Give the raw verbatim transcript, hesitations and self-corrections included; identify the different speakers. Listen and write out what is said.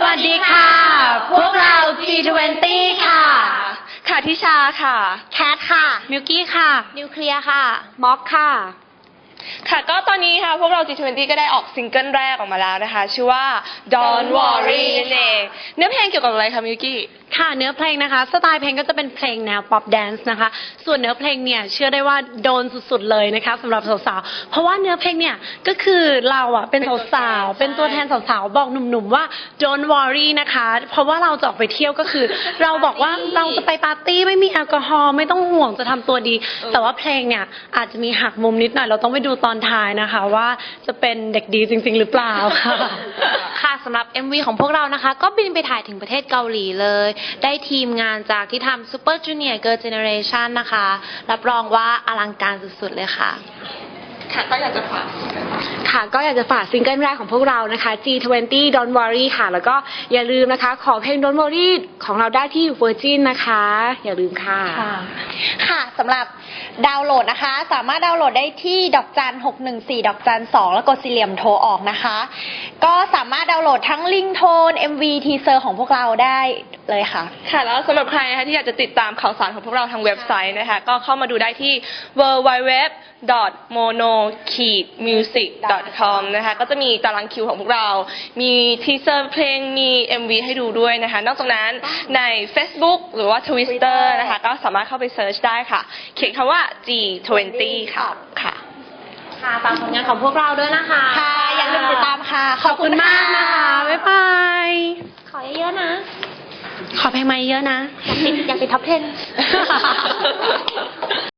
Speaker 1: วัสดีค่ะ พวกเรา จี ทเวนตี้ ค่ะ
Speaker 2: ค่ะทิชาค่ะ
Speaker 1: แคทค่ะ
Speaker 3: มิวกี้ค่ะ
Speaker 1: นิวเคลียร์ค่ะ
Speaker 3: ม็อกค่ะ
Speaker 2: ค่ะก็ตอนนี้ค่ะพวกเรา จี ทเวนตี้ ก็ได้ออกซิงเกิลแรกออกมาแล้วนะคะชื่อว่า Don't Worry นั่นเองเนื้อเพลงเกี่ยวกับอะไรคะมิวกี้
Speaker 3: ค่ะเนื้อเพลงนะคะสไตล์เพลงก็จะเป็นเพลงแนวป๊อปแดนซ์นะคะส่วนเนื้อเพลงเนี่ยเชื่อได้ว่าโดนสุดๆเลยนะคะสำหรับสาวๆเพราะว่าเนื้อเพลงเนี่ยก็คือเราอ่ะเป็นสาวๆเป็นตัวแทนสาวๆบอกหนุ่มๆว่า don't worry นะคะเพราะว่าเราจะออกไปเที่ยวก็คือ เราบอกว่าเราจะไปปาร์ตี้ไม่มีแอลกอฮอล์ไม่ต้องห่วงจะทำตัวดี แต่ว่าเพลงเนี่ยอาจจะมีหักมุมนิดหน่อยเราต้องไปดูตอนท้ายนะคะว่าจะเป็นเด็กดีจริงๆหรือเปล่าค่ะ
Speaker 1: ค่ะสำหรับ เอ็ม วี ของพวกเรานะคะก็บินไปถ่ายถึงประเทศเกาหลีเลยได้ทีมงานจากที่ทำ Super Junior Girl Generation นะคะรับรองว่าอลังการสุดๆเลยค่ะ
Speaker 2: ค่ะก็อยากจะฝาก
Speaker 4: ค่ะก็อยากจะฝากซิงเกิลแรกของพวกเรานะคะ จี ทเวนตี้ Don't Worry ค่ะแล้วก็อย่าลืมนะคะขอเพลง Don't Worry ของเราได้ที่ Virgin นะคะอย่าลืมค่ะ
Speaker 5: ค่ะสำหรับดาวน์โหลดนะคะสามารถดาวน์โหลดได้ที่ดอกจันหกหนึ่งสี่ดอกจันสองแล้วกดสี่เหลี่ยมโทรออกนะคะก็สามารถดาวน์โหลดทั้งลิงโทน เอ็ม วี ทีเซอร์ของพวกเราได้เลยค่ะ
Speaker 2: ค่ะแล้วสำหรับใครนะคะที่อยากจะติดตามข่าวสารของพวกเราทางเว็บไซต์นะคะก็เข้ามาดูได้ที่ ดับเบิลยู ดับเบิลยู ดับเบิลยู ดอท โมโน มิวสิก ดอท คอม นะคะก็จะมีตารางคิวของพวกเรา มีทีเซอร์เพลงมี เอ็ม วี ให้ดูด้วยนะคะนอกจากนั้นใน Facebook หรือว่า Twitter นะคะก็สามารถเข้าไปเซิร์ชได้ค่ะเขียนคำว่า จี ทเวนตี้ ค่ะค่ะ
Speaker 1: ค่ะฝากผลงานของพวกเราด้วยนะคะ
Speaker 5: ค่ะอย่าลืมติดตามค่ะ
Speaker 3: ขอบคุณมากนะคะ บ๊ายบาย
Speaker 1: ขอเยอะๆนะ
Speaker 3: ขอเพลงมาเยอะนะ
Speaker 1: อยากติดอยากติดท็อปสิบ